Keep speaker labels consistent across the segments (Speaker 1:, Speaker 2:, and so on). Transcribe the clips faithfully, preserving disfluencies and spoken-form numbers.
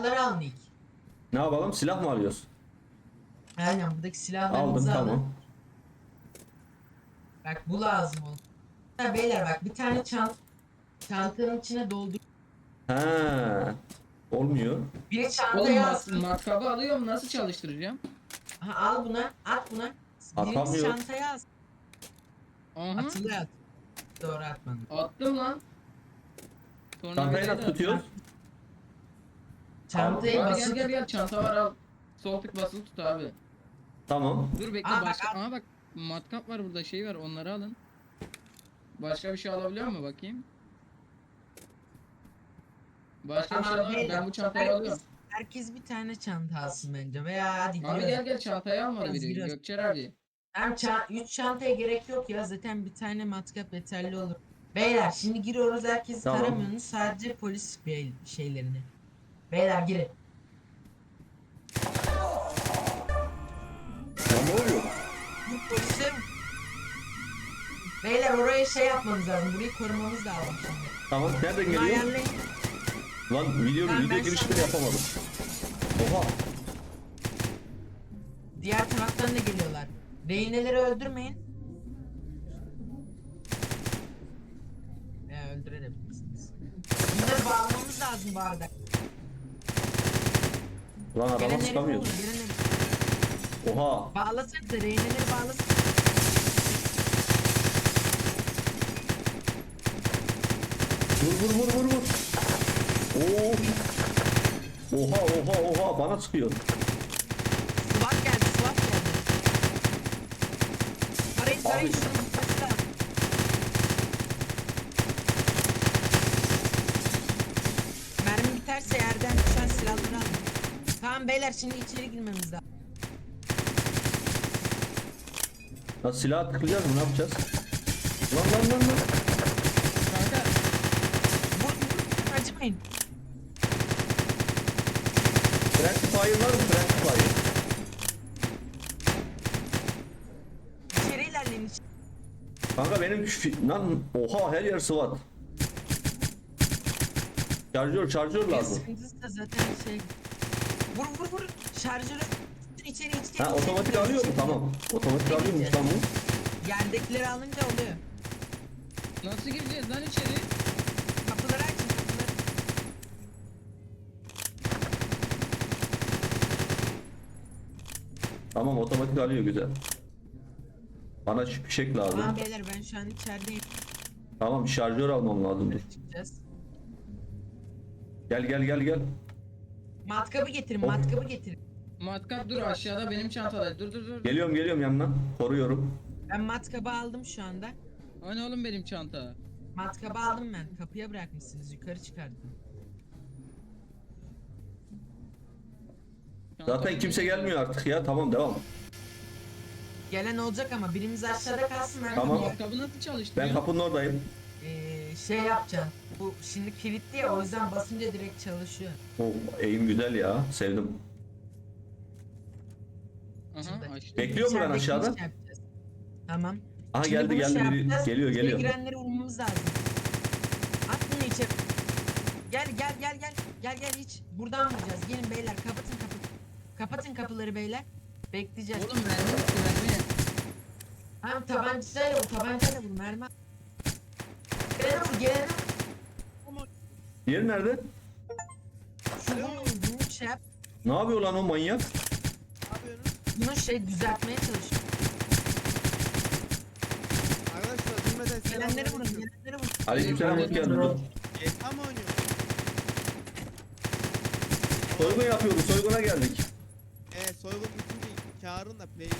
Speaker 1: silahları alın ilk.
Speaker 2: Ne yapalım? Silah mı alıyoruz?
Speaker 1: Aynen buradaki
Speaker 2: Aldım
Speaker 1: silahlarınızı alın.
Speaker 2: tamam.
Speaker 1: Bak bu lazım oldu. Ha, beyler bak bir tane çant çantanın içine doldur.
Speaker 2: He. Olmuyor.
Speaker 1: Biri
Speaker 3: Oğlum
Speaker 1: çantaya
Speaker 3: mat
Speaker 1: alsın.
Speaker 3: matkabı alıyorum, nasıl çalıştıracağım?
Speaker 1: Ha, al buna, at buna. Biriniz
Speaker 2: Atamıyor.
Speaker 1: çantaya alsın.
Speaker 3: Aha,
Speaker 1: Atılı at. Doğru atmadım.
Speaker 3: attım lan.
Speaker 2: Çantayı
Speaker 3: Tornavidayı
Speaker 2: nasıl
Speaker 3: da
Speaker 2: tutuyoruz?
Speaker 1: Çantayı
Speaker 3: Abi gel
Speaker 1: basıp
Speaker 3: gel gel, çanta var, al. Sol tık basılı tut abi.
Speaker 2: Tamam.
Speaker 3: Dur bekle,
Speaker 1: Aa, bak,
Speaker 3: başka.
Speaker 1: al.
Speaker 3: Aha bak, matkap var burada, şey var, onları alın. Başka bir şey alabiliyor mu bakayım? Başka bir şey
Speaker 1: Tamam,
Speaker 3: alamıyorum. Ben
Speaker 1: beyler,
Speaker 3: bu çantayı
Speaker 1: herkes-
Speaker 3: alıyorum.
Speaker 1: Herkes bir tane çanta alsın bence veya hadi
Speaker 3: Abi
Speaker 1: giriyoruz.
Speaker 3: gel gel, çantayı almadı
Speaker 1: Biraz,
Speaker 3: biri.
Speaker 1: biraz.
Speaker 3: Gökçer abi.
Speaker 1: Hem ça üç çantaya gerek yok ya, zaten bir tane matkap yeterli olur. Beyler şimdi giriyoruz, herkesi
Speaker 2: Tamam.
Speaker 1: taramıyorsunuz, sadece polis bey şeylerini. Beyler girin.
Speaker 2: Ya ne oluyor?
Speaker 1: Bu polise... Beyler oraya şey yapmamız lazım, burayı korumamız lazım şimdi.
Speaker 2: Tamam. Nereden
Speaker 1: Bunu
Speaker 2: geliyor?
Speaker 1: ayarlayın.
Speaker 2: Lan video,
Speaker 1: Ben-
Speaker 2: video
Speaker 1: ben
Speaker 2: girişleri
Speaker 1: sana-
Speaker 2: yapamadım. Oha.
Speaker 1: Diğer taraftan da geliyorlar. Rehineleri öldürmeyin. Ya öldürebilirsiniz. Bunları bağlamamız lazım bu arada.
Speaker 2: Lan araba
Speaker 1: Gelenleri
Speaker 2: sıkamıyordu.
Speaker 1: bulun, gelenleri.
Speaker 2: Oha.
Speaker 1: Bağlasak da rehineleri bağlasak.
Speaker 2: Vur vur vur vur vur. Oo. Oha oha oha bana sıkıyor.
Speaker 1: SWAT geldi, SWAT geldi. Tarayın, tarayın
Speaker 2: Abi.
Speaker 1: şunu. Kaçta. Mermi biterse yerden düşen silahları alın. Tamam beyler, şimdi içeri girmemiz lazım.
Speaker 2: Lan silah tıklayacağız mı? Ne yapacağız? Lan lan lan lan.
Speaker 3: Kanka
Speaker 1: Vur, vur, acımayın.
Speaker 2: Friendly fire var mı? Friendly fire.
Speaker 1: İçeri ilerleyin. içeri.
Speaker 2: Kanka benim şu- lan oha her yer SWAT. Şarjör şarjör
Speaker 1: Bir
Speaker 2: lazım.
Speaker 1: sıkıntısı da zaten şey. Vur vur vur. Şarjörü içeri içeri.
Speaker 2: Ha
Speaker 1: içeri,
Speaker 2: otomatik
Speaker 1: içeri,
Speaker 2: alıyor mu?
Speaker 1: içeri.
Speaker 2: Tamam. Otomatik alıyormuş tamam.
Speaker 1: Yerdekileri alınca oluyor.
Speaker 3: nasıl gireceğiz lan içeri?
Speaker 1: Kapıları açın, kapıları.
Speaker 2: Tamam otomatik alıyor güzel. Bana şu fişek lazım.
Speaker 1: Tamam beyler, ben şu an içerideyim.
Speaker 2: Tamam şarjör almam lazım dur.
Speaker 1: Çıkacağız.
Speaker 2: Gel gel gel gel.
Speaker 1: Matkabı getirin,
Speaker 2: Of.
Speaker 1: matkabı getirin.
Speaker 3: Matkap dur aşağıda, benim çantada. Dur dur dur.
Speaker 2: Geliyorum geliyorum yanına. Koruyorum.
Speaker 1: Ben matkabı aldım şu anda.
Speaker 3: Hani oğlum benim çanta.
Speaker 1: Matkabı aldım ben. Kapıya bırakmışsınız. Yukarı çıkardım.
Speaker 2: Zaten kimse gelmiyor artık ya. Tamam devam.
Speaker 1: Gelen olacak ama birimiz aşağıda kalsın. Ben
Speaker 2: Tamam.
Speaker 1: kapıya-
Speaker 3: Matkabı nasıl çalıştırıyor?
Speaker 2: Ben kapının oradayım.
Speaker 1: Ee, şey yapacağım. Bu şimdi kilitli ya, o yüzden basınca direkt çalışıyor.
Speaker 2: O eğim güzel ya. Sevdim.
Speaker 3: Aha açtım.
Speaker 2: Bekliyor mu lan
Speaker 1: İçerideki
Speaker 2: aşağıda?
Speaker 1: iş yapacağız. Tamam.
Speaker 2: Aha
Speaker 1: Şimdi
Speaker 2: geldi
Speaker 1: bunu
Speaker 2: geldi
Speaker 1: şey
Speaker 2: biri.
Speaker 1: yapacağız.
Speaker 2: Geliyor
Speaker 1: İçeri
Speaker 2: geliyor.
Speaker 1: girenleri vurmamız lazım. At bunu içeri. Gel gel gel gel. Gel gel hiç. Buradan vuracağız. Gelin beyler, kapatın kapı. Kapatın kapıları beyler. Bekleyeceğiz.
Speaker 3: Oğlum mermi bitti, mermi.
Speaker 1: Tamam, tabancayla vur, tabancayla vur, mermi. Gelene vur, gelene vur.
Speaker 2: Diğeri nerede?
Speaker 1: Şu bunu, bunu şey yap.
Speaker 2: Ne yapıyor lan o manyak?
Speaker 1: Bunu şey düzeltmeye çalış.
Speaker 4: Arkadaşlar bilmeden
Speaker 1: Gelenleri vurun,
Speaker 4: selamünaleyküm.
Speaker 1: gelenleri vurun.
Speaker 2: Aleykümselam hoş geldin. Dur.
Speaker 4: G T A mı oynuyor?
Speaker 2: Soygun yapıyoruz. Soyguna geldik.
Speaker 4: Eee soygun bitince karın da play.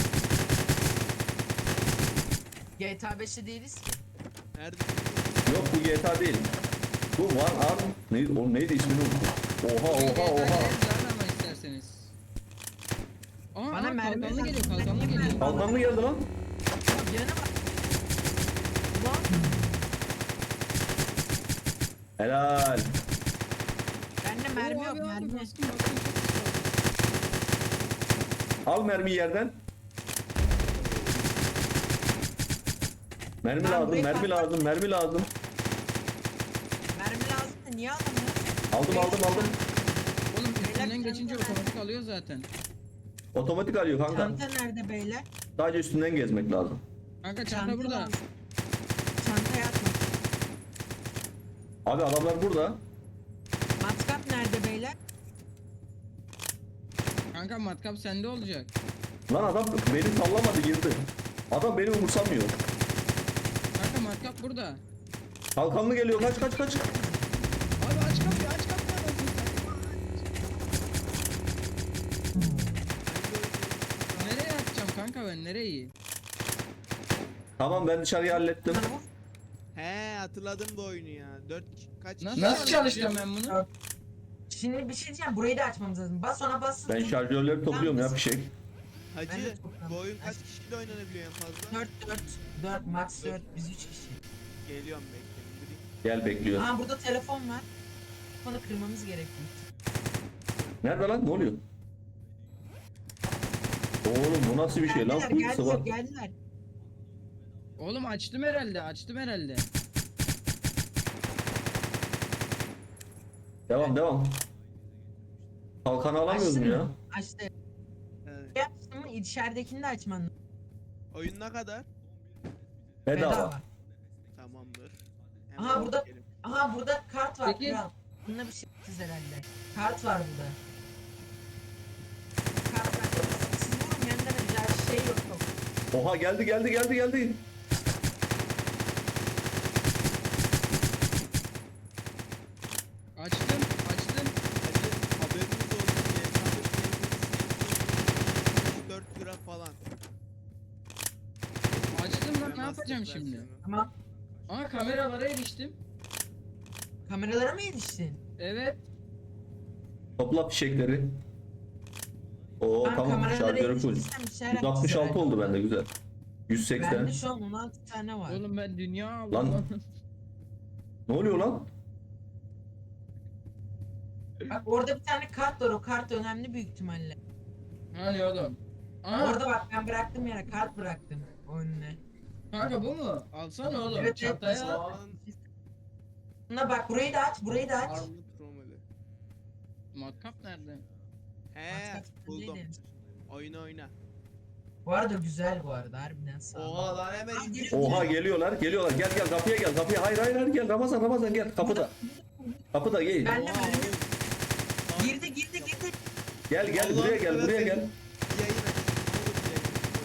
Speaker 1: G T A beşte değiliz ki.
Speaker 4: Nerede?
Speaker 2: Yok bu G T A değil. Bu One Arm. Neydi, o neydi ismini unuttum. Oha oha oha.
Speaker 3: Ama isterseniz. Aa,
Speaker 1: Bana
Speaker 3: aa,
Speaker 1: mermi
Speaker 3: kalkanlı
Speaker 1: lazım.
Speaker 3: geliyor, kalkanlı
Speaker 1: Mermi
Speaker 3: geliyor.
Speaker 1: lazım.
Speaker 2: Kalkan mı geldi lan?
Speaker 1: Yanına bak. Ulan.
Speaker 2: Helal.
Speaker 1: Bende mermi
Speaker 3: Oo,
Speaker 1: yok,
Speaker 3: abi, abi,
Speaker 1: mermi.
Speaker 3: bastım, bastım, çok güzel.
Speaker 2: Al mermiyi yerden. Mermi
Speaker 1: Ben
Speaker 2: lazım,
Speaker 1: burayı
Speaker 2: mermi
Speaker 1: patlat-
Speaker 2: lazım, mermi lazım.
Speaker 1: Mermi lazım da niye alamıyor?
Speaker 2: Aldım aldım aldım.
Speaker 3: geçince
Speaker 1: Çanta
Speaker 3: otomatik alıyor zaten.
Speaker 2: Otomatik alıyor kanka.
Speaker 1: Çanta nerede beyler?
Speaker 2: Sadece üstünden gezmek lazım.
Speaker 3: Kanka çanta burada.
Speaker 1: lazım. Çantaya atma.
Speaker 2: Abi adamlar burada.
Speaker 1: Matkap nerede beyler?
Speaker 3: Kanka matkap sende olacak.
Speaker 2: Lan adam beni sallamadı girdi. Adam beni umursamıyor.
Speaker 3: Kanka matkap burada.
Speaker 2: Kalkanlı geliyor kaç kaç kaç.
Speaker 3: Abi aç kapıyı aç kapıyı. Nereye atacağım kanka ben nereyi?
Speaker 2: Tamam ben dışarıyı hallettim.
Speaker 1: Bana vur.
Speaker 4: He hatırladım bu oyunu ya. Dört kaç
Speaker 3: Nasıl,
Speaker 4: kişi
Speaker 3: Nasıl
Speaker 4: var?
Speaker 3: çalışacağım ben bunu?
Speaker 1: Şimdi bir şey diyeceğim. Burayı da açmamız lazım. Bas ona bas.
Speaker 2: Ben şarjörleri topluyorum ya bir şey.
Speaker 4: Hacı
Speaker 1: Ben de çok
Speaker 4: bu oyun
Speaker 1: rahat.
Speaker 4: kaç kişiyle oynanabiliyor en fazla?
Speaker 1: dört dört dört max dört biz üç kişi.
Speaker 4: Geliyorum bekleyin.
Speaker 2: Gel bekliyor.
Speaker 1: Aa burada telefon var. Telefonu kırmamız gerekiyor.
Speaker 2: Nerede lan ne oluyor? Oğlum bu nasıl bir şey lan?
Speaker 1: Geldiler,
Speaker 2: Kuyusu
Speaker 1: geldiler,
Speaker 2: var.
Speaker 1: geldiler.
Speaker 3: Oğlum açtım herhalde açtım herhalde.
Speaker 2: Devam devam. Kalkanı alamıyoruz mu
Speaker 1: Açtın
Speaker 2: ya?
Speaker 1: mı? Açtı.
Speaker 4: Evet.
Speaker 1: Yaptın mı? İçeridekini de açman lazım.
Speaker 4: Oyun ne kadar?
Speaker 2: Bedava.
Speaker 4: Tamamdır.
Speaker 1: Aha, burada-
Speaker 4: bakalım.
Speaker 1: Aha burada kart var.
Speaker 3: Peki.
Speaker 1: Kral. Bunda bir şey yapacağız herhalde. Kart var burada. Kart var. Siz vurun yanında da güzel şey yok. yok.
Speaker 2: Oha geldi geldi geldi geldi.
Speaker 3: Açtım açtım.
Speaker 4: Hacı haberiniz olsun diye. Sadece dört lira falan.
Speaker 3: Açtım lan ne
Speaker 4: Remastered
Speaker 3: yapacağım şimdi?
Speaker 4: versiyonu.
Speaker 1: Tamam.
Speaker 3: Aa kameralara eriştim.
Speaker 1: Kameralara mı yetiştin?
Speaker 3: Evet.
Speaker 2: Topla fişekleri. Oo
Speaker 1: Ben
Speaker 2: tamam
Speaker 1: kameralara
Speaker 2: şarjörü full.
Speaker 1: yetiştirsem bir şeyler
Speaker 2: yüz altmış altı
Speaker 1: yapacağız
Speaker 2: oldu bende güzel. yüz
Speaker 1: herhalde.
Speaker 2: seksen.
Speaker 1: Bende şu an on altı tane var.
Speaker 3: Oğlum ben dünya aldım
Speaker 2: Lan.
Speaker 3: lan.
Speaker 2: Ne oluyor lan?
Speaker 1: Bak orada bir tane kart var. O kart önemli büyük ihtimalle.
Speaker 3: Hani oğlum. Aa
Speaker 1: Orada bak ben bıraktım yere kart bıraktım önüne.
Speaker 3: kanka bu mu? Alsana oğlum
Speaker 1: Evet, evet.
Speaker 3: çantaya.
Speaker 4: Lan.
Speaker 1: Buna bak burayı da aç, burayı da aç.
Speaker 4: Armut Romeli.
Speaker 3: Matkap nerede?
Speaker 4: He
Speaker 1: Matkap
Speaker 4: buldum.
Speaker 1: neydi?
Speaker 4: Oyna oyna.
Speaker 1: Bu arada güzel bu arada harbiden sağ ol.
Speaker 4: Oha lan hemen
Speaker 1: Abi,
Speaker 4: indir.
Speaker 2: Oha geliyorlar geliyorlar gel gel kapıya gel kapıya hayır hayır hayır gel Ramazan Ramazan gel kapıda. Kapıda gel.
Speaker 1: Ben de
Speaker 4: Oha,
Speaker 1: böyle-
Speaker 4: oğlum.
Speaker 1: Girdi girdi girdi.
Speaker 2: Gel gel
Speaker 4: Allah'ım
Speaker 2: buraya gel buraya
Speaker 4: seversen.
Speaker 2: gel.
Speaker 4: Yayın aç. Oğlum yayın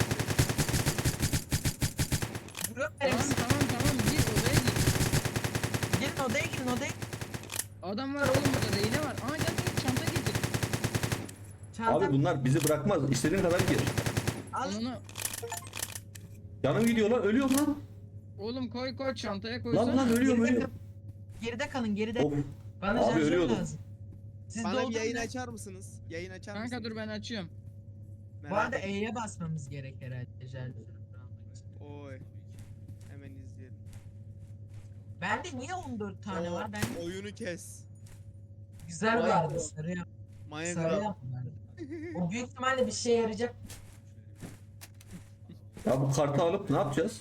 Speaker 4: aç.
Speaker 1: Blok
Speaker 3: Tamam
Speaker 1: verin.
Speaker 3: tamam tamam gir odaya gir.
Speaker 1: Girin odaya girin odaya.
Speaker 3: Adam var oğlum burada reyne var. Aa gel gel çanta getir.
Speaker 1: Çanta
Speaker 2: Abi bunlar bizi bırakmaz. İstediğin kadar gir.
Speaker 1: al.
Speaker 3: Onu
Speaker 2: Canım gidiyor lan ölüyorum lan.
Speaker 3: oğlum koy koy çantaya koysana.
Speaker 2: Lan lan ölüyorum
Speaker 1: Geride,
Speaker 2: ölüyorum.
Speaker 1: geride kalın geride.
Speaker 2: Of.
Speaker 1: Bana
Speaker 2: Abi
Speaker 1: şarjör
Speaker 2: ölüyordum.
Speaker 1: lazım. Siz
Speaker 4: Bana bir
Speaker 1: doldurun
Speaker 4: yayın
Speaker 1: da-
Speaker 4: açar mısınız? Yayın açar mısınız?
Speaker 3: Kanka dur ben açıyorum.
Speaker 1: Bu
Speaker 4: Merak
Speaker 1: arada
Speaker 4: ettim.
Speaker 1: E'ye basmamız gerek herhalde şarjörü almak için.
Speaker 4: Oy. Hemen izleyelim.
Speaker 1: Bende niye on dört tane
Speaker 4: O-
Speaker 1: var? Ben
Speaker 4: Oyunu kes.
Speaker 1: güzel bu arada sarı yap. Sarı
Speaker 4: Minecraft.
Speaker 1: yap bu arada. O büyük ihtimalle bir şeye yarayacak.
Speaker 2: Ya bu kartı alıp ne yapacağız?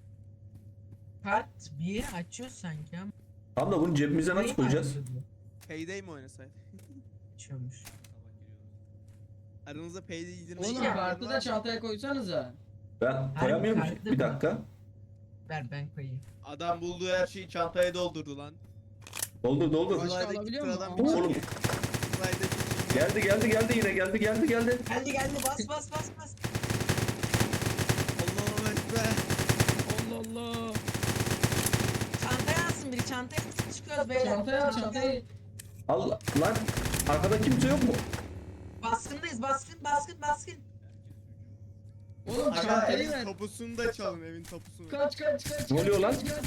Speaker 1: Kart bir yeri açıyor sanki ama.
Speaker 2: Tam da bunu cebimize nasıl
Speaker 1: Burayı
Speaker 2: koyacağız?
Speaker 1: mı açıyordu?
Speaker 4: Payday mi oynasaydı?
Speaker 1: Açıyormuş.
Speaker 4: Aranızda Payday indirme
Speaker 3: Oğlum
Speaker 1: Şey
Speaker 4: imkanı
Speaker 3: kartı
Speaker 4: var
Speaker 3: da
Speaker 4: mı?
Speaker 3: çantaya koysanıza.
Speaker 2: Ben koyamıyorum ki.
Speaker 1: kartı
Speaker 2: Bir
Speaker 1: mı?
Speaker 2: dakika.
Speaker 1: Ver ben koyayım.
Speaker 4: Adam bulduğu her şeyi çantaya doldurdu lan.
Speaker 2: Doldur doldur.
Speaker 3: Başka
Speaker 4: Slide'daki
Speaker 3: alabiliyor mu?
Speaker 4: sıradan
Speaker 3: Aa.
Speaker 4: bir
Speaker 2: Oğlum
Speaker 4: Slide'daki şey-
Speaker 2: geldi geldi geldi yine geldi geldi geldi.
Speaker 1: Geldi geldi bas bas bas bas.
Speaker 4: Allah'ım ekber.
Speaker 3: Allah Allah.
Speaker 1: Çantaya alsın biri çantaya alsın çıkıyoruz beyler.
Speaker 3: Çantaya al çantayı.
Speaker 2: Allah lan arkada kimse yok mu?
Speaker 1: Baskındayız baskın baskın baskın.
Speaker 3: Oğlum
Speaker 4: Aga
Speaker 3: çantayı
Speaker 4: evin
Speaker 3: ver.
Speaker 4: tapusunu da çalın evin tapusunu.
Speaker 3: Kaç kaç kaç.
Speaker 2: Ne
Speaker 3: kaç,
Speaker 2: oluyor lan?
Speaker 3: kaç, kaç.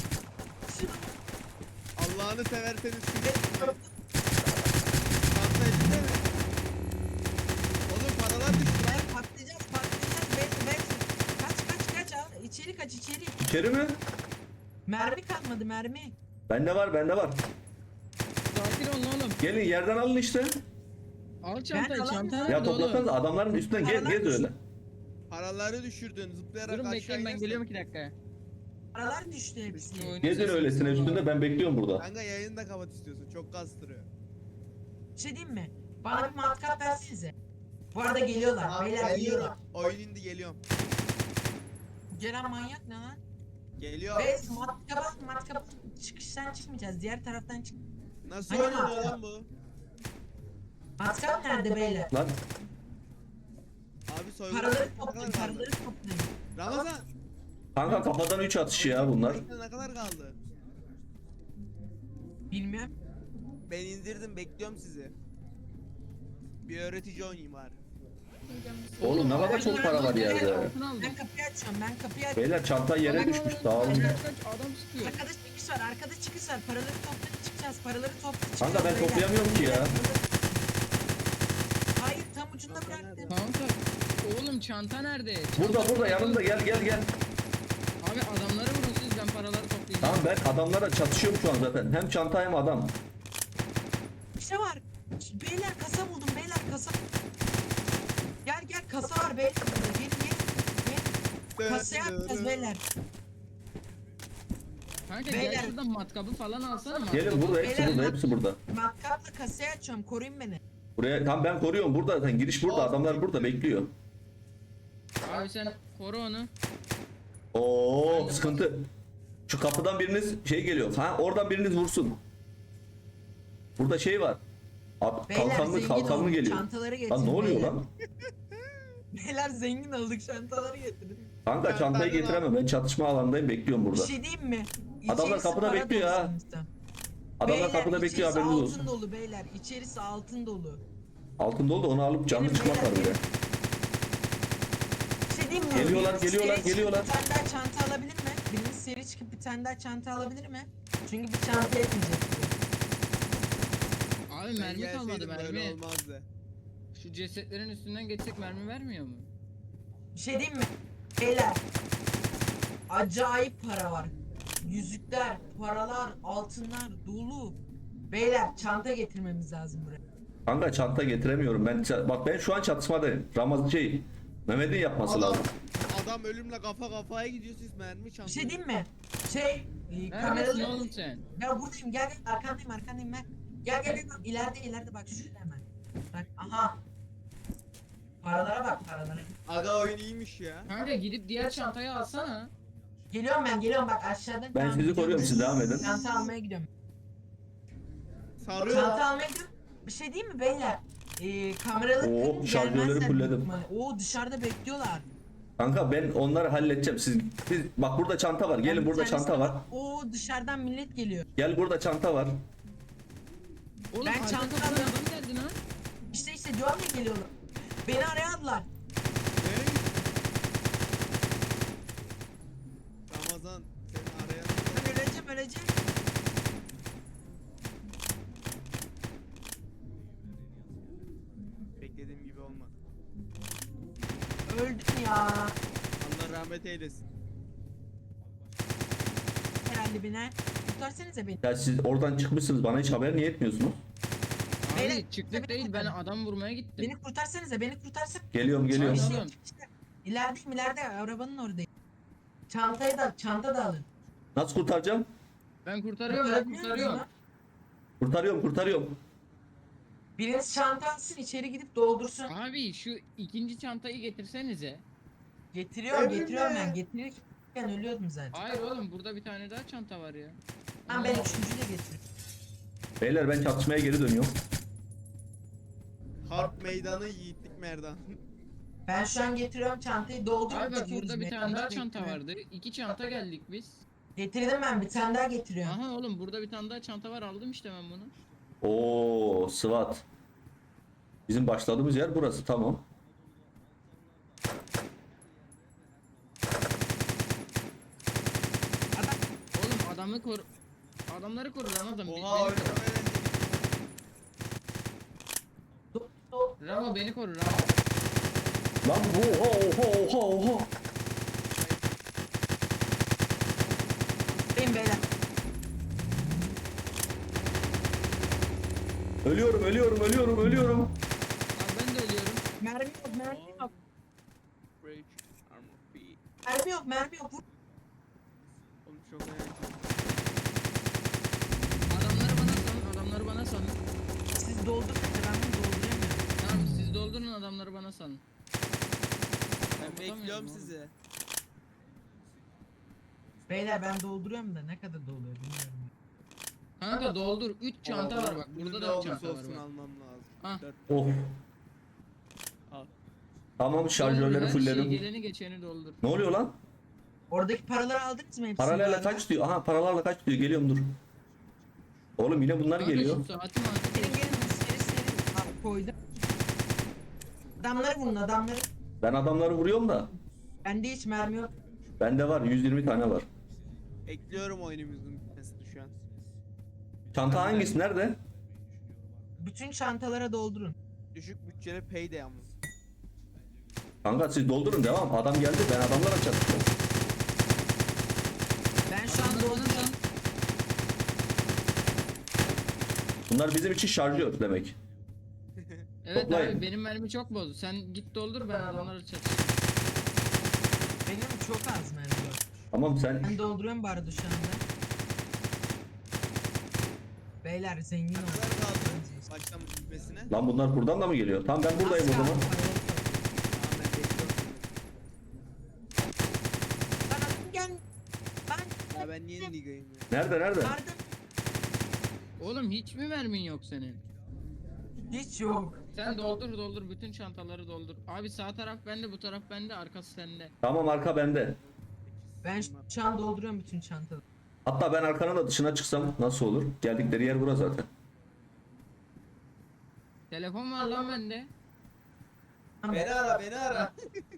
Speaker 4: Allah'ını severseniz size çanta elinde mi? Oğlum paralar düştü lan.
Speaker 1: Ben patlayacağız patlayacağız bekle bekle. Kaç kaç kaç al içeri kaç içeri.
Speaker 2: İçeri mi?
Speaker 1: Mermi kalmadı mermi.
Speaker 2: Bende var bende var.
Speaker 3: Sakin ol oğlum.
Speaker 2: Gelin yerden alın işte.
Speaker 3: Al çantayı
Speaker 1: alamıyorum.
Speaker 3: çanta
Speaker 2: Ya
Speaker 3: nerede oğlum?
Speaker 2: toplasanız adamların üstünden gez
Speaker 1: Paralar
Speaker 2: gez öyle.
Speaker 4: Paraları düşürdün zıplayarak
Speaker 3: Durun
Speaker 4: aşağı
Speaker 3: bekleyin ben
Speaker 4: inersen-
Speaker 3: geliyorum iki dakika.
Speaker 1: Paralar düştü hepsi.
Speaker 3: Oyunun
Speaker 2: Gezin
Speaker 3: sesini
Speaker 2: öylesine
Speaker 3: alalım.
Speaker 2: üstünde ben bekliyorum burada.
Speaker 4: Kanka yayını da kapat istiyorsun çok kastırıyor.
Speaker 1: Bir şey diyeyim mi? Bana bir matkap versenize. Bu arada geliyorlar. Beyler geliyorlar.
Speaker 4: Oyun indi geliyorum.
Speaker 1: Ceren manyak ne lan?
Speaker 4: Geliyor.
Speaker 1: Biz matkap matkap çıkıştan çıkmayacağız. Diğer taraftan çık.
Speaker 4: Nasıl
Speaker 1: Hani
Speaker 4: oynuyor
Speaker 1: matkap?
Speaker 4: lan bu?
Speaker 1: Matkap nerede beyler?
Speaker 2: Lan
Speaker 4: Abi soygun.
Speaker 1: Paraları
Speaker 4: Ne
Speaker 1: toplayın,
Speaker 4: kadar kaldı?
Speaker 1: paraları toplayın.
Speaker 4: Ramazan.
Speaker 2: kanka kafadan üç atışı ya bunlar.
Speaker 4: Ne kadar kaldı?
Speaker 1: Bilmiyorum.
Speaker 4: Ben indirdim bekliyorum sizi. Bir öğretici oynayayım bari.
Speaker 2: Oğlum ne kadar çok para var yerde.
Speaker 3: Altın aldım.
Speaker 1: Ben kapıyı açıyorum. Ben kapıyı açıyorum.
Speaker 2: Beyler çanta yere düşmüş dağılın.
Speaker 3: Kaç adam sıkıyor.
Speaker 1: Arkada çıkış var. Arkada çıkış var. Paraları toplayıp çıkacağız. Paraları toplayıp çıkacağız.
Speaker 2: Kanka ben
Speaker 1: beyler.
Speaker 2: toplayamıyorum ki ya.
Speaker 1: Hayır tam ucunda bıraktım.
Speaker 3: Kanka oğlum çanta nerede?
Speaker 2: Burada
Speaker 3: Çanta-
Speaker 2: burada yanımda gel gel gel.
Speaker 3: Abi adamları vurun siz ben paraları toplayacağım.
Speaker 2: Tamam ben adamlara çatışıyorum şu an zaten. Hem çanta hem adam.
Speaker 1: Bir şey var. Beyler kasa buldum. Beyler kasa. Gel gel kasa var beyler. Burada. Gelin gelin. Gelin. Kasaya yapacağız beyler.
Speaker 3: Kanka
Speaker 1: Beyler.
Speaker 3: gel şuradan matkabı falan alsana matkabı.
Speaker 2: Gelin burada hepsi
Speaker 1: Beyler,
Speaker 2: burada hepsi burada.
Speaker 1: Matkapla kasayı açıyorum. Koruyun beni.
Speaker 2: Buraya tam ben koruyorum burada zaten giriş burada adamlar burada bekliyor.
Speaker 3: Abi sen koru onu.
Speaker 2: Oo sıkıntı. Şu kapıdan biriniz şey geliyor. Ha oradan biriniz vursun. Burada şey var. Abi
Speaker 1: Beyler
Speaker 2: kalkanlı
Speaker 1: zengin
Speaker 2: kalkanlı
Speaker 1: olduk.
Speaker 2: geliyor.
Speaker 1: Çantaları getirin.
Speaker 2: Lan ne oluyor
Speaker 1: beyler.
Speaker 2: lan?
Speaker 1: Beyler zengin olduk. Çantaları getirin.
Speaker 2: Kanka çantayı getiremem. Ben çatışma alanındayım bekliyorum
Speaker 1: Bir
Speaker 2: burada.
Speaker 1: şey diyeyim mi?
Speaker 2: Adamlar
Speaker 1: İçerisi
Speaker 2: kapıda
Speaker 1: para
Speaker 2: bekliyor
Speaker 1: dolu
Speaker 2: ha.
Speaker 1: sonuçta.
Speaker 2: Adamlar
Speaker 1: Beyler,
Speaker 2: kapıda bekliyor
Speaker 1: içerisi
Speaker 2: haberiniz
Speaker 1: altın
Speaker 2: olsun.
Speaker 1: dolu beyler. İçerisi altın dolu.
Speaker 2: Altın dolu da onu alıp canlı
Speaker 1: Gelin
Speaker 2: çıkmak var
Speaker 1: beyler,
Speaker 2: bir de.
Speaker 1: Bir şey diyeyim mi?
Speaker 2: Geliyorlar,
Speaker 1: Biriniz
Speaker 2: geliyorlar,
Speaker 1: seri çıkıp
Speaker 2: geliyorlar.
Speaker 1: Bir tane daha çanta alabilir mi? Biriniz seri çıkıp bir tane daha çanta alabilir mi? Çünkü bir çanta yetmeyecek.
Speaker 3: Abi mermi
Speaker 4: Ben
Speaker 3: kalmadı
Speaker 4: gelseydim böyle
Speaker 3: mermi.
Speaker 4: olmazdı.
Speaker 3: Şu cesetlerin üstünden geçsek mermi vermiyor mu?
Speaker 1: Bir şey diyeyim mi? Beyler. Acayip para var. Yüzükler, paralar, altınlar dolu. Beyler çanta getirmemiz lazım buraya.
Speaker 2: Kanka çanta getiremiyorum. Ben ça- bak ben şu an çatışmadayım. Ramazan şey Mehmet'in yapması
Speaker 4: Adam,
Speaker 2: lazım.
Speaker 4: adam ölümle kafa kafaya gidiyor siz mermi
Speaker 1: Bir
Speaker 4: çantayı.
Speaker 1: şey diyeyim mi? Şey, e,
Speaker 3: Neredesin
Speaker 1: kameralı...
Speaker 3: oğlum sen?
Speaker 1: Ben buradayım gel gel arkandayım arkandayım ben. Gel gel gel ileride ileride bak şurada hemen. Bak aha. Paralara bak paralara.
Speaker 4: Aga oyun iyiymiş ya.
Speaker 3: Kanka gidip diğer çantayı alsana.
Speaker 1: Geliyorum ben geliyorum bak aşağıdan.
Speaker 2: Ben
Speaker 1: Tamam,
Speaker 2: sizi
Speaker 1: gidiyorum.
Speaker 2: koruyorum siz devam edin.
Speaker 1: Çanta almaya gidiyorum.
Speaker 4: Sarıyor.
Speaker 1: Çanta almaya gidiyorum. Bir şey diyeyim mi beyler? Ee, kameralı
Speaker 2: Oo,
Speaker 1: kırın,
Speaker 2: şarjörleri
Speaker 1: gelmezler
Speaker 2: fullledim.
Speaker 1: büyük ihtimalle. Oo dışarıda bekliyorlar.
Speaker 2: Kanka ben onları halledeceğim. Siz, siz bak burada çanta var. Gelin
Speaker 1: Ben bir
Speaker 2: burada
Speaker 1: tanesine
Speaker 2: çanta var.
Speaker 1: bak- Oo dışarıdan millet geliyor.
Speaker 2: Gel burada çanta var.
Speaker 3: Oğlum
Speaker 1: Ben
Speaker 3: arka
Speaker 1: çanta
Speaker 3: kapıdan
Speaker 1: alıyorum.
Speaker 3: adam geldi lan.
Speaker 1: İşte işte diyorum ya geliyorlar. Beni arayadılar.
Speaker 4: Ne? Ramazan seni arayan.
Speaker 1: Ben öleceğim öleceğim.
Speaker 4: Beklediğim gibi olmadı.
Speaker 1: Öldüm ya.
Speaker 4: Allah rahmet eylesin.
Speaker 1: Herhalde beni. Kurtarsanıza beni.
Speaker 2: Ya siz oradan çıkmışsınız. Bana hiç haber niye etmiyorsunuz?
Speaker 1: Beyler,
Speaker 3: Abi çıktık
Speaker 1: beni
Speaker 3: değil ben
Speaker 1: kurtarın.
Speaker 3: adam vurmaya gittim.
Speaker 1: Beni kurtarsanıza beni kurtarsak.
Speaker 2: Geliyorum geliyorum.
Speaker 3: Çanta-
Speaker 1: İşte,
Speaker 3: Oğlum.
Speaker 1: işte. İlerideyim ileride arabanın oradayım. Çantayı da çanta da alın.
Speaker 2: Nasıl kurtaracağım?
Speaker 3: Ben kurtarıyorum ben
Speaker 1: Kurtarabiliyor
Speaker 3: kurtarıyorum.
Speaker 1: musunuz
Speaker 2: Kurtarıyorum kurtarıyorum.
Speaker 1: Biriniz çanta alsın içeri gidip doldursun.
Speaker 3: Abi şu ikinci çantayı getirsenize.
Speaker 1: Getiriyorum
Speaker 4: Emre!
Speaker 1: getiriyorum ben. Getirirken ölüyordum zaten.
Speaker 3: Hayır oğlum burada bir tane daha çanta var ya.
Speaker 1: Tamam ben üçüncüyü de getiriyorum.
Speaker 2: Beyler ben çatışmaya geri dönüyorum.
Speaker 4: Harp meydanı yiğitlik merdan.
Speaker 1: Ben şu an getiriyorum çantayı doldurup
Speaker 3: Abi bak
Speaker 1: gidiyoruz
Speaker 3: burada bir
Speaker 1: meydana.
Speaker 3: tane daha çanta
Speaker 1: Bekliyorum.
Speaker 3: vardı. İki çanta geldik biz.
Speaker 1: Getirdim ben bir tane daha getiriyorum.
Speaker 3: Aha oğlum burada bir tane daha çanta var aldım işte ben bunu.
Speaker 2: Oo SWAT. Bizim başladığımız yer burası tamam.
Speaker 1: Adam
Speaker 3: Oğlum adamı koru. Adamları koru lan adam. Be-
Speaker 4: Oha
Speaker 3: beni
Speaker 4: oyunu
Speaker 3: koru.
Speaker 4: öğrendim.
Speaker 1: do, do.
Speaker 3: Ramo beni koru Ramo.
Speaker 2: Lan bu oha oha oha oha.
Speaker 1: Benim beyler.
Speaker 2: Ölüyorum ölüyorum ölüyorum ölüyorum.
Speaker 3: Abi ben de ölüyorum.
Speaker 1: Mermi yok mermi yok.
Speaker 4: Break armor B.
Speaker 1: Mermi yok mermi yok. Vur.
Speaker 4: Oğlum çok önemli.
Speaker 3: Adamları bana salın adamları bana salın.
Speaker 1: Siz doldurun ben bunu doldurayım.
Speaker 4: Bekliyorum sizi.
Speaker 1: Beyler ben dolduruyorum da ne kadar doluyor bilmiyorum.
Speaker 3: Kanka doldur. üç çanta var bak.
Speaker 4: Bunun
Speaker 3: Burada
Speaker 4: ne
Speaker 3: da üç
Speaker 4: olursa
Speaker 3: çanta var
Speaker 4: olsun
Speaker 3: bak.
Speaker 4: almam lazım.
Speaker 3: Ah.
Speaker 4: Dört.
Speaker 2: Of.
Speaker 4: Al.
Speaker 2: Tamam
Speaker 3: Doldur,
Speaker 2: şarjörleri
Speaker 3: her şeyi
Speaker 2: fullledim.
Speaker 3: geleni geçeni doldur.
Speaker 2: Ne oluyor lan?
Speaker 1: Oradaki paraları aldınız mı hepsini?
Speaker 2: Paralarla
Speaker 1: bari?
Speaker 2: kaç diyor? Aha paralarla kaç diyor? Geliyorum dur. Oğlum yine bunlar
Speaker 3: Kanka
Speaker 2: geliyor.
Speaker 3: şu saati mi artık?
Speaker 1: Gelin gelin seri seri Al, koydum. Adamları vurun adamları.
Speaker 2: Ben adamları vuruyorum da.
Speaker 1: Bende hiç mermi yok.
Speaker 2: Bende var yüz yirmi tane var.
Speaker 4: Ekliyorum oyunumuzun bitmesini şu an.
Speaker 2: Çanta hangisi? Nerede?
Speaker 1: Bütün çantalara doldurun.
Speaker 4: Düşük bütçeli payday yalnız.
Speaker 2: Kanka siz doldurun devam. Adam geldi ben adamlara çatışıyorum.
Speaker 1: Ben şu an
Speaker 3: Adamları
Speaker 1: dolduruyorum.
Speaker 3: alırsan
Speaker 2: Bunlar bizim için şarjör demek.
Speaker 3: Evet
Speaker 2: Toplayın.
Speaker 3: abi benim mermi çok bozdu. Sen git doldur ben adamları çatışayım.
Speaker 1: Benim çok az mermi var.
Speaker 2: Tamam sen
Speaker 1: Ben dolduruyorum bu arada şu anda. Beyler zengin
Speaker 4: Ne
Speaker 1: olun.
Speaker 4: kadar kaldı baştan bitmesine?
Speaker 2: lan bunlar buradan da mı geliyor? Tamam ben buradayım o
Speaker 1: Az
Speaker 2: zaman.
Speaker 1: kaldı,
Speaker 4: Tamam ben bekliyorum.
Speaker 1: Lan adam gel. Ben
Speaker 4: Ya ben niye nigayım ya?
Speaker 2: Nerede nerede?
Speaker 1: yardım.
Speaker 3: Oğlum hiç mi mermin yok senin?
Speaker 1: Hiç yok.
Speaker 3: Sen doldur doldur bütün çantaları doldur. Abi sağ taraf bende bu taraf bende arkası sende.
Speaker 2: Tamam arka bende.
Speaker 1: Ben şu an dolduruyorum bütün çantaları.
Speaker 2: Hatta ben arkanın da dışına çıksam nasıl olur? Geldikleri yer bura zaten.
Speaker 3: Telefon var lan bende.
Speaker 4: Beni ara beni ara.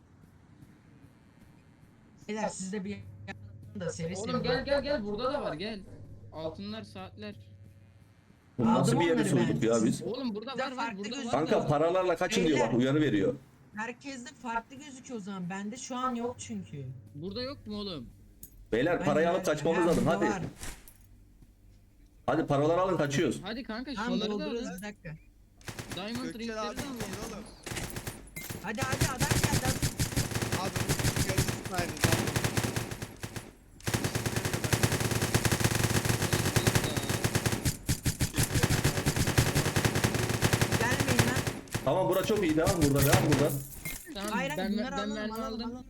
Speaker 1: Beyler siz de bir yapın da seri seri.
Speaker 3: Oğlum gel gel gel burada da var gel. Altınlar saatler.
Speaker 2: Bu nasıl
Speaker 1: Aldım
Speaker 2: bir yere
Speaker 1: onları
Speaker 2: soyduk
Speaker 1: ben.
Speaker 2: ya biz?
Speaker 3: Oğlum burada
Speaker 1: Bizde
Speaker 3: var var
Speaker 1: farklı
Speaker 3: burada var.
Speaker 1: gözüküyor.
Speaker 2: Kanka paralarla kaçın diyor bak uyarı veriyor.
Speaker 1: Herkeste farklı gözüküyor o zaman. Bende şu an yok çünkü.
Speaker 3: Burada yok mu oğlum?
Speaker 2: Beyler
Speaker 1: Ben
Speaker 2: parayı
Speaker 1: de-
Speaker 2: alıp kaçmamız
Speaker 1: Ha,
Speaker 2: lazım
Speaker 1: burada
Speaker 2: hadi.
Speaker 1: var.
Speaker 2: Hadi paraları alın kaçıyoruz.
Speaker 3: Hadi kanka
Speaker 1: Tamam
Speaker 3: şunları da
Speaker 1: dolduruyoruz
Speaker 3: alın.
Speaker 1: bir dakika.
Speaker 3: Diamond
Speaker 4: Gökçen
Speaker 3: ringleri
Speaker 4: abi
Speaker 3: de alın.
Speaker 4: değil oğlum.
Speaker 1: Hadi hadi adam geldi. adam-
Speaker 4: Abi bunu yukarı tutmaydı tamam.
Speaker 1: Gelmeyin lan.
Speaker 2: Tamam bura çok iyi devam burada devam burada.
Speaker 3: Tamam
Speaker 1: Hayır hayır
Speaker 3: ben,
Speaker 1: bunları
Speaker 3: ben
Speaker 1: alalım
Speaker 3: mermi
Speaker 1: alalım.
Speaker 3: aldım.
Speaker 1: alalım.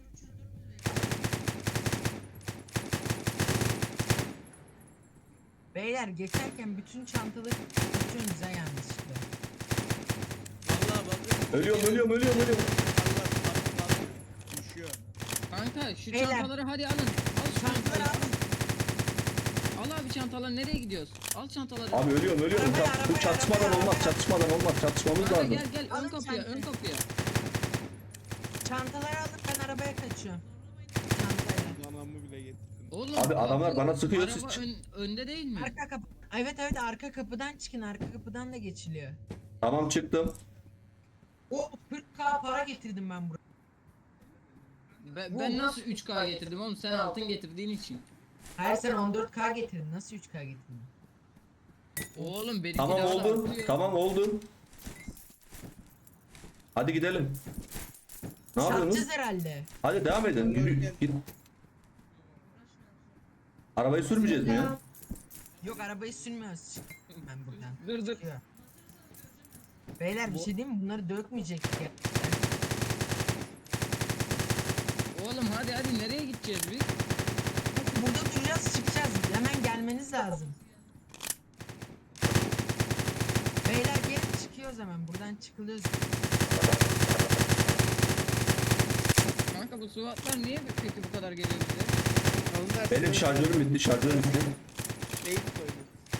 Speaker 1: Beyler geçerken bütün çantaları tutuyorsunuz ha yanlışlıkla.
Speaker 4: Vallahi bakın.
Speaker 2: Ölüyorum ölüyorum ölüyorum ölüyorum.
Speaker 4: Allah Allah Allah. Düşüyor.
Speaker 3: Kanka şu
Speaker 1: Beyler.
Speaker 3: çantaları hadi alın. Al şu
Speaker 1: Çantaları
Speaker 3: çantaları.
Speaker 1: alın.
Speaker 3: Al abi çantaları nereye gidiyoruz? Al çantaları.
Speaker 2: Abi ölüyorum ölüyorum.
Speaker 1: Arabaya,
Speaker 2: Çat- bu
Speaker 1: arabaya,
Speaker 2: çatışmadan
Speaker 1: arabaya,
Speaker 2: olmaz
Speaker 1: arabaya.
Speaker 2: çatışmadan olmaz çatışmamız
Speaker 3: Kanka
Speaker 2: lazım.
Speaker 3: gel gel ön
Speaker 1: Alın
Speaker 3: kapıya ön
Speaker 1: çantayı.
Speaker 3: kapıya.
Speaker 1: Çantaları alıp ben arabaya kaçıyorum. Çantayla.
Speaker 4: Anamı bile getirdim.
Speaker 3: Oğlum
Speaker 2: Abi adamlar
Speaker 3: kapı-
Speaker 2: bana sıkıyor,
Speaker 3: araba
Speaker 2: siz çık-
Speaker 3: ön- önde değil mi?
Speaker 1: Arka kapı. Evet evet arka kapıdan çıkın. Arka kapıdan da geçiliyor.
Speaker 2: Tamam çıktım.
Speaker 1: O kırk k para getirdim ben buraya.
Speaker 3: Ben, ben nasıl üç K getirdim oğlum sen altın getirdiğin için.
Speaker 1: Hayır sen on dört k getirdin. Nasıl üç k getirdin?
Speaker 3: Oğlum benimki
Speaker 2: Tamam
Speaker 3: daha da
Speaker 2: oldu.
Speaker 3: artıyor.
Speaker 2: Tamam oldu. Hadi gidelim. Ne yapıyorsunuz?
Speaker 1: Satacağız herhalde.
Speaker 2: Hadi devam edin. Yürü, git. Arabayı sürmeyeceğiz mi ya?
Speaker 1: Yok arabayı sürmüyoruz. Ben buradan.
Speaker 3: Dur dur.
Speaker 1: Çıkıyor. Beyler bir şey diyeyim mi? Bunları dökmeyecektik ya.
Speaker 3: Oğlum hadi hadi nereye gideceğiz biz?
Speaker 1: Burada duracağız çıkacağız. Hemen gelmeniz lazım. Beyler gelin çıkıyoruz hemen. Buradan çıkılıyoruz.
Speaker 3: Kanka bu SWAT'lar niye peki bu kadar geliyor bize?
Speaker 4: Onlar
Speaker 2: Benim şarjörüm bitti şarjörüm bitti.
Speaker 4: Şey koydu.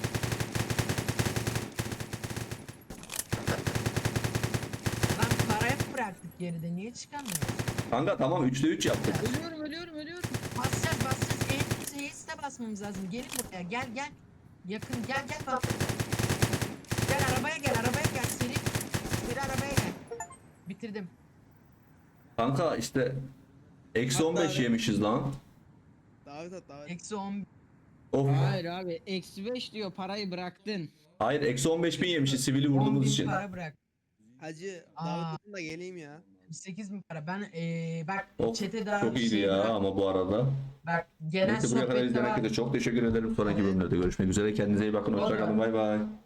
Speaker 1: Lan parayı bıraktık geride. Niye çıkamıyoruz?
Speaker 2: Kanka tamam üçte üç yaptık.
Speaker 3: Ölüyorum ölüyorum ölüyorum.
Speaker 1: Basacağız basacağız. Eğitimimizi H'si de basmamız lazım. Gelin buraya. Gel gel. Yakın gel gel bak. Gel arabaya gel arabaya gel. Seri. Seri arabaya gel. Bitirdim.
Speaker 2: Kanka işte eksi on beş yemişiz lan.
Speaker 4: Davet at davet.
Speaker 1: Eksi on.
Speaker 2: Of.
Speaker 3: Hayır abi eksi beş diyor parayı bıraktın.
Speaker 2: Hayır eksi on beş bin yemişiz sivili
Speaker 1: on
Speaker 2: vurduğumuz
Speaker 1: bin
Speaker 2: için.
Speaker 1: para bırak.
Speaker 4: Hacı
Speaker 1: Aa.
Speaker 4: davet atın da geleyim ya.
Speaker 1: sekiz bin para. Ben eee bak
Speaker 2: Of,
Speaker 1: çete daha
Speaker 2: çok iyiydi
Speaker 1: şey
Speaker 2: ya
Speaker 1: bırak-
Speaker 2: ama bu arada.
Speaker 1: Bak genel
Speaker 2: Neyse buraya kadar
Speaker 1: sohbette
Speaker 2: izleyen
Speaker 1: var.
Speaker 2: herkese çok teşekkür ederim. Sonraki bölümlerde görüşmek üzere. Kendinize iyi bakın. Hoşçakalın. Bay bay.